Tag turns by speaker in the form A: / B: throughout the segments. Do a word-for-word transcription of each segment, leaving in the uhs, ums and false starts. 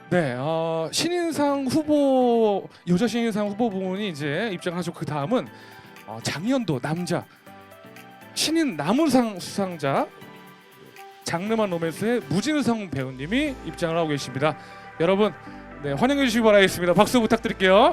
A: 네, 어, 신인상 후보 여자 신인상 후보 부분이 이제 입장하시고 그 다음은 어, 장년도 남자 신인 남우상 수상자 장르만 로맨스의 무진성 배우님이 입장을 하고 계십니다. 여러분, 네, 환영해 주시기 바라겠습니다. 박수 부탁드릴게요.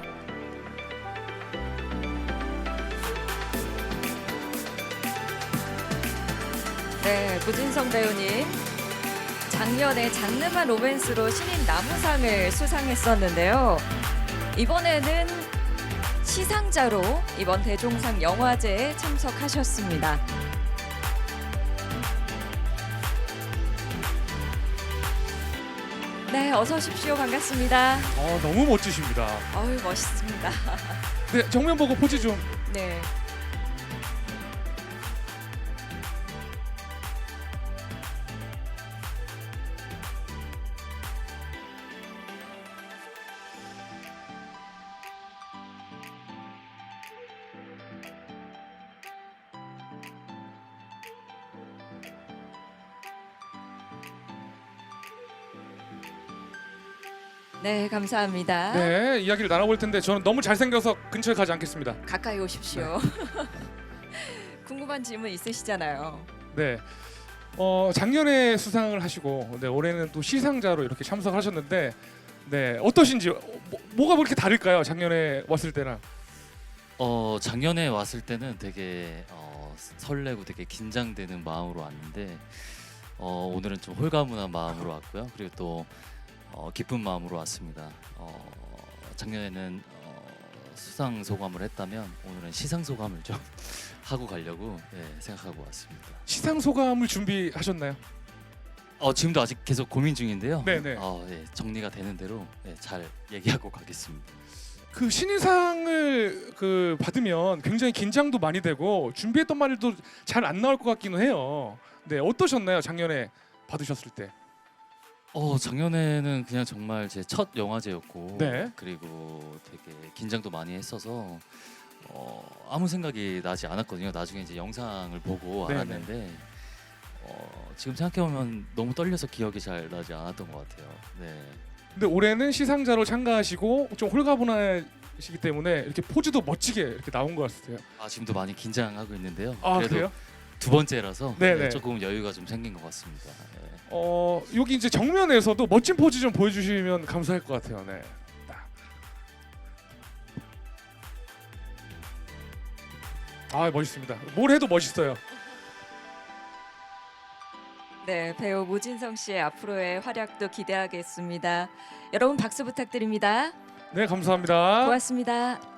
B: 네, 무진성 배우님 작년에 장르만 로맨스로 신인 남우상을 수상했었는데요. 이번에는 시상자로 이번 대종상 영화제에 참석하셨습니다. 네, 어서 오십시오. 반갑습니다.
A: 어, 너무 멋지십니다.
B: 어유 멋있습니다.
A: 네, 정면 보고 포즈 좀.
B: 네. 네, 감사합니다.
A: 네, 이야기를 나눠볼 텐데 저는 너무 잘생겨서 근처에 가지 않겠습니다.
B: 가까이 오십시오. 궁금한 질문 있으시잖아요.
A: 네, 어, 작년에 수상을 하시고 네, 올해는 또 시상자로 이렇게 참석하셨는데 네, 어떠신지 어, 뭐, 뭐가 그렇게 다를까요? 작년에 왔을 때랑.
C: 어 작년에 왔을 때는 되게 어, 설레고 되게 긴장되는 마음으로 왔는데 어, 오늘은 좀 홀가분한 마음으로 왔고요. 그리고 또 어, 기쁜 마음으로 왔습니다. 어, 작년에는 어, 수상 소감을 했다면 오늘은 시상 소감을 좀 하고 가려고 네, 생각하고 왔습니다.
A: 시상 소감을 준비하셨나요?
C: 어, 지금도 아직 계속 고민 중인데요.
A: 네네.
C: 어, 네, 정리가 되는 대로 네, 잘 얘기하고 가겠습니다.
A: 그 신인상을 그 받으면 굉장히 긴장도 많이 되고 준비했던 말도 잘 안 나올 것 같기는 해요. 네, 어떠셨나요? 작년에 받으셨을 때.
C: 어 작년에는 그냥 정말 제 첫 영화제였고
A: 네.
C: 그리고 되게 긴장도 많이 했어서 어, 아무 생각이 나지 않았거든요. 나중에 이제 영상을 보고
A: 네네.
C: 알았는데 어, 지금 생각해 보면 너무 떨려서 기억이 잘 나지 않았던 것 같아요. 네.
A: 근데 올해는 시상자로 참가하시고 좀 홀가분하시기 때문에 이렇게 포즈도 멋지게 이렇게 나온 것 같아요.
C: 아 지금도 많이 긴장하고 있는데요.
A: 아,
C: 그래도
A: 그래요?
C: 두 번째라서
A: 네네.
C: 네, 조금 여유가 좀 생긴 것 같습니다. 네.
A: 어, 여기 이제 정면에서도 멋진 포즈 좀 보여주시면 감사할 것 같아요. 네. 딱. 아, 멋있습니다. 뭘 해도 멋있어요.
B: 네, 배우 무진성 씨의 앞으로의 활약도 기대하겠습니다. 여러분 박수 부탁드립니다.
A: 네, 감사합니다.
B: 고맙습니다.